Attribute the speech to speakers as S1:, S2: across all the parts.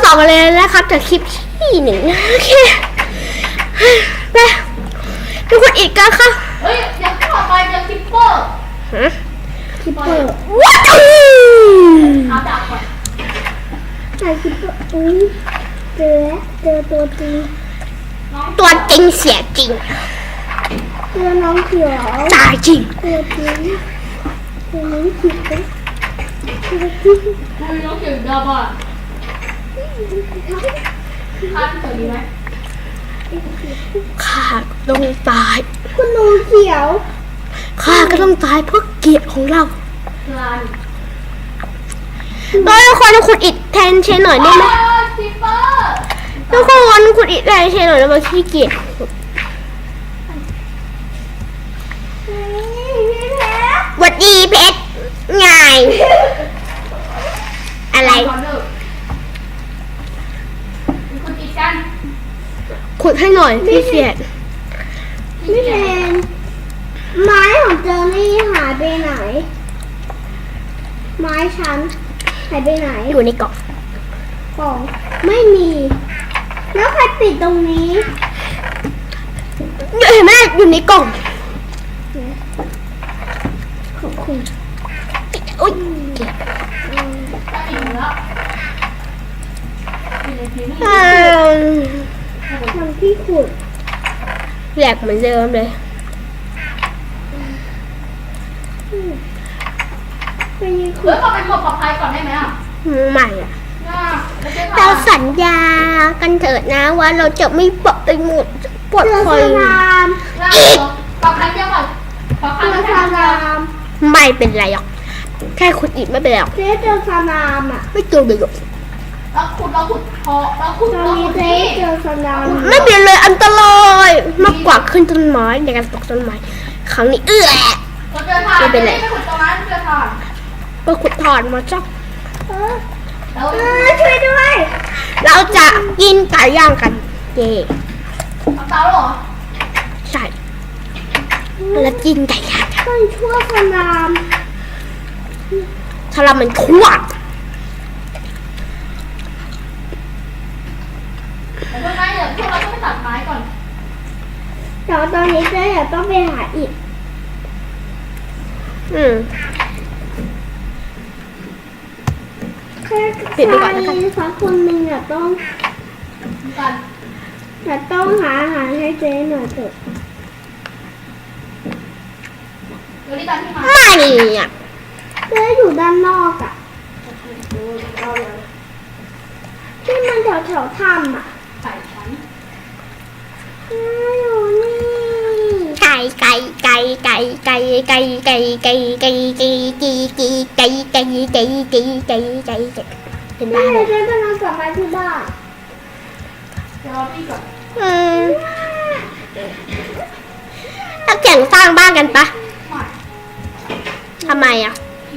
S1: ต่อกันเลยนะครับจากคลิปที่หนึ่งโอเคไปดูคนอีกกันค่ะ
S2: เฮ้ยอย่าต่อไปจะคิปเปอร์
S3: คิปเปอร์
S1: วัด
S2: เอาดาบก่อน
S3: ใช่คิปเปอร์อุ้ยเจอตัวจริง
S1: ตัวจริงเสียจริง
S3: เจอน้องเขียว
S1: ตายจริง
S3: ตัวจริงเจอน้องเขียวตัวจริง
S2: คุยน้องเขียวดาบอ่ะข้าที่ตัวนี้ไหม
S1: ข้าต้องตาย
S3: คุณน้องเขียว
S1: ข้าก็ต้องตายเพื่อเกียรติของเรา
S2: ลาน
S1: ทุกคนขุดอิฐแทนเชนหน่อยได้ไหม
S2: คิปเปอร์
S1: ทุกคนขุดอิฐแทนเชนหน่อยแล้วมาขี้เกียจหวัดดีเพชรไงอะไร
S2: คุณอีกกัน
S1: ขุดให้หน่อยพี่เสียด
S3: ไม่แทนไม้ของเจอนี่หายไปไหนไม้ฉันหายไปไหน
S1: อยู่ในกล่
S3: องไม่มีแล้วใครปิดตรงนี้
S1: เห็นไหมอยู่ในกล่อง
S3: ขอบคุณ
S1: อุ้ย
S2: ได้อีกแล้ว
S3: ทำที่ขุด
S1: แหลกเหมือนเดิมเลย
S3: เป็นยังขุ
S2: เฮ้ย
S3: ด
S2: ขอเป็นหมวกปลอดภัยก่อนได้ไหมอ่ะ
S1: ใหม่อ่ะ
S2: เรา
S1: เราสัญญากันเถิดนะว่าเราจะไม่ปลดหมดปลดคอย
S2: ปลอดภัยเยอะกว่าปลอดภัย
S3: เจอ
S2: แค่
S3: สลาม
S1: ไม่เป็นไรหรอกแค่ขุดอิฐไม่เป็นไรหรอก
S3: เจ๊เจอสลามอ่ะ
S1: ไม่เจอเลยหรอก
S2: เราขุดพอเราขุด
S3: ตอนนี้เจ๊เจอสลาม
S1: ไม่เป็นเลยอันตรายมากกว่าขึ้นต้นไม้ในการตกต้นไม้ครั้งนี้
S2: เราเจอทานไม่เป็นไรไม่ขุดตรงนั้นเจอทาน
S1: ไปขุดถอนมาจ้ะ
S3: ช่วยด้วย
S1: เราจะกินไก่ย่างกันเย่
S2: เอาเตาหรอ
S1: ใช่แล้วกินไก่ย่างกัน
S3: ต้องช่วยสลาม
S1: ถ้าเรามันทั่ว
S2: แต่ต้นไม้เดี๋ยวพวกเราต้องไปตัดไม้ก่อน
S3: แต่ตอนนี้เจ๊อยากต้องไปหาอิฐ
S1: ปิดไปก่อนแล้วกัน
S3: สักคนหนึ่งอ่ะต้องหาอาหารให้เจ๊หน่อยเถอะ
S2: เดี๋ยวรีบตามที่มา
S1: ไม่อ่ะ
S3: เจ๊อยู่ด้านนอกอ่ะที่มันแถวถ้ำอ่ะ
S2: ใส่ชั้น
S3: อยู่นี่
S1: ไก่เห็นบ้านไหม
S3: เจ๊กำลังกลับมาที่บ้าน
S2: เดี๋ยวรอพี่ก่อน
S1: ถ้าแข่งสร้างบ้านกันปะทำไมอ่ะ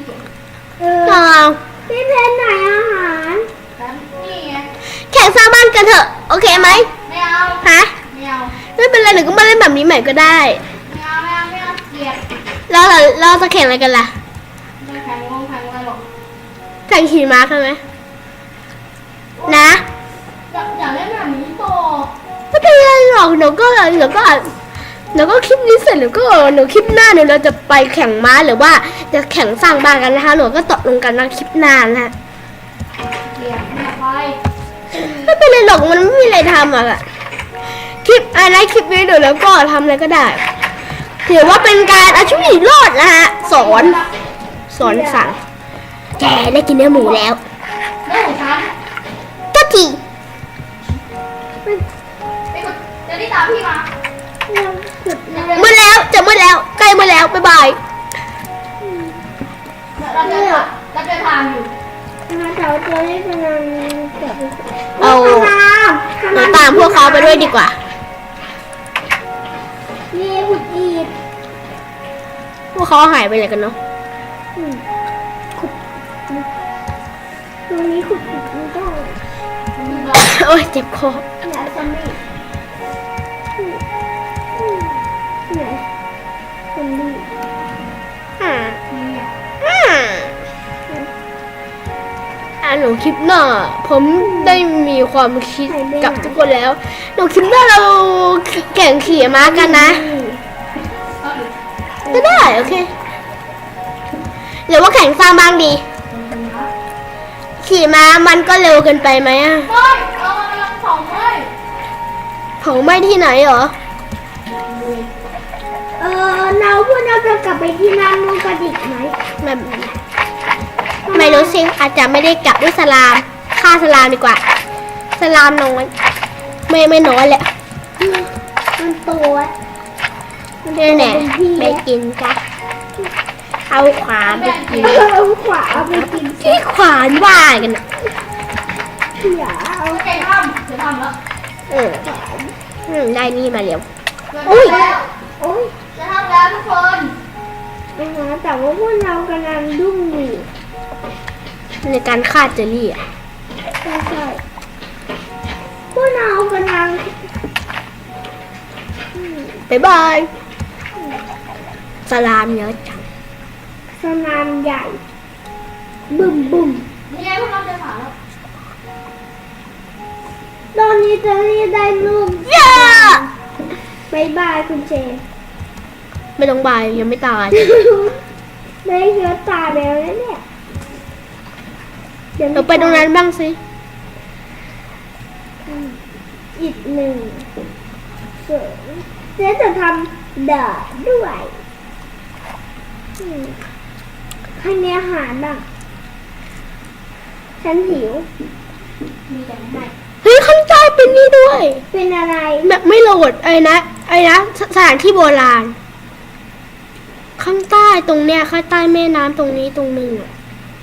S3: พี่เพนไหนอาหาร
S2: นี่ไง
S1: แข่งสร้างบ้านกันเถอะโอเคไหม
S2: ไม่เอา
S1: ฮะ
S2: ไม่เอา
S1: ไม่เป็นไรหนูก็มาเล่นแบบนี้ใหม่ก็ได้
S2: ไม่เอาเกลียด
S1: แล้วเราจะแข่งอะไรกันล่ะ
S2: ไม่แข่งอะไรหรอก
S1: แข่งขี่ม้าใช่ไหมนะ
S2: อย่าเล่นแบบนี้โต
S1: ไม่เป็นไรหรอกหนูก็คลิปนี้เสร็จหนูคลิปหน้าเราจะไปแข่งม้าหรือว่าจะแข่งสร้างบ้านกันนะคะหนูก็ตกลงกันว่าคลิปหน้านะ
S2: เกลียดไม่ไป
S1: ไม่เป็นไรหรอกมันไม่มีอะไรทำอ่ะคลิปอะไรคลิปนี้เดี๋ยวแล้วก็ทำอะไรก็ได้ถือว่าเป็นการเอาชีวิตรอดนะฮะสอนสั่งแกได้กินเนื้อหมูแล้ว
S2: เรื่องของฉัน
S1: ก็ที
S2: เดี๋ยวนี่ตามพี่มา
S1: มืดแล้วจะมืดแล้วใกล้มืดแล้วบ๊ายบาย
S2: เราจะทานอยู่
S3: แต่ว่าเจ๊กำลังเก็บ
S1: เอาตามพวกเขาไปด้วยดีกว่า
S3: นี่ขุดอีก
S1: พวกเขาหายไปไหนกันเนาะ
S3: ขุดตรงนี้ขุดอีกมันต้อง
S1: โอ้ยเจ็บคอ
S3: อย่าซอมบี้ไหนซอมบี้
S1: หนูคลิปหน้า ผมได้มีความคิดกับทุกคนแล้วหนูคลิปหน้าเราแข่งขี่ม้ากันนะ ก็ได้โอเคหรือว่าแข่งสร้างบ้างดี ขี่ม้ามันก็เร็วเกินไปไหมอะ
S2: เฮ้ยเรากำลังเผาเฮ้ย
S1: เผาไหม้ที่ไหนเหรอ
S3: เราพวกเราจะกลับไปที่น้ำมูกระดิกไหม
S1: ไม่รู้สิอาจจะไม่ได้กลับด้วยสลามฆ่าสลามดีกว่า สลามน้อยไม่น้อยแหละ
S3: มันตัวมัน
S1: นี่แน่
S3: เป็นพี่
S1: ไปกินจ้ะเอาขวานไปกิน
S3: เอาขวาเอาไปกิน
S1: ที่ขวานว่ากันอะ
S3: อย่าเอา
S2: โอเคทำเดี๋ยวทำแล้ว
S1: ได้นี่มาเร็ว
S2: อุ้ย
S3: โอ๊ย
S2: จะทำแล้วทุกคน
S3: แต่ว่าพวกเรากำลังดุ้งอยู่
S1: ในการฆ่าเจอรี่อะ
S3: ใช่พวกเรากำลัง
S1: บ๊ายบายสลามเยอะจัง
S3: สนามใหญ่ บึ้มบึ้ม
S2: นี่ไงพวกเราจะผ่านแล้ว
S3: ตอนนี้จะได้รูป
S1: เย้
S3: บายบายคุณเจน
S1: ไม่ต้องบายยังไม่ตาย
S3: ได้เชื้อตาแล้วนะเนี่ยดี๋ยว
S1: เราไปตรงนั้นบ้างสิ
S3: อีกหนึ่งเสริมเจ๊จะทำเดาดด้วยให้มีอาหารบ้างฉันหิว
S2: มีแต่ไม่ให้
S1: เฮ้ยข้างใต้เป็นนี่ด้วย
S3: เป็นอะไร
S1: แบบไม่โหลดไอ้นะสถานที่โบราณ ข้างใต้ตรงเนี้ยข้างใต้แม่น้ำตรงนี้ตรงหนึงอะ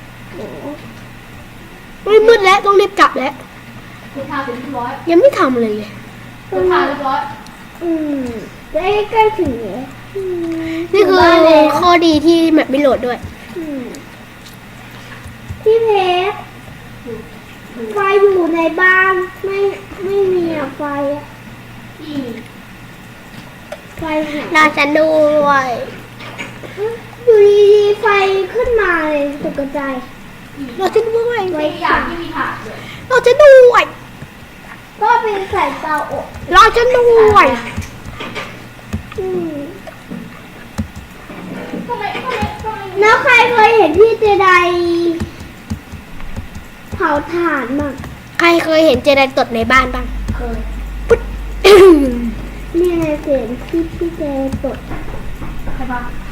S1: เฮ้ยมืดแล้วต้องรีบกลับแล้ว
S2: คุณทาเสร็จเรียบร้อย
S1: ยังไม่ทำเลยเลย
S2: คุณทาเรียบร้อย
S3: ใกล้ถึงแล้ว
S1: นี่คือ
S3: บ้านแล้ว
S1: ข้อดีที่แบบไม่โหลดด้วย
S3: พี่เพชรไฟอยู่ในบ้านไม่มีอะไฟอะ
S2: ที่
S3: ไฟหาย
S1: น่าจะด้วย
S3: อยู่ดีๆไฟขึ้นมาเลยตกใจ
S1: เราจะด้วย
S2: ที่อย่างที่มีถาดเลย
S1: เราจะด้วย
S3: ก็เป็นใส่เตาอบ
S1: เราจะด้วย
S2: ทำไม
S3: แล้วใครเคยเห็นพี่เจไดเผาถ่านมั้ง
S1: ใครเคยเห็นเจไดตดในบ้านบ้าง
S2: เคย
S3: นี่ไงเสียงที่พี่เจตด
S2: ใครบ้าง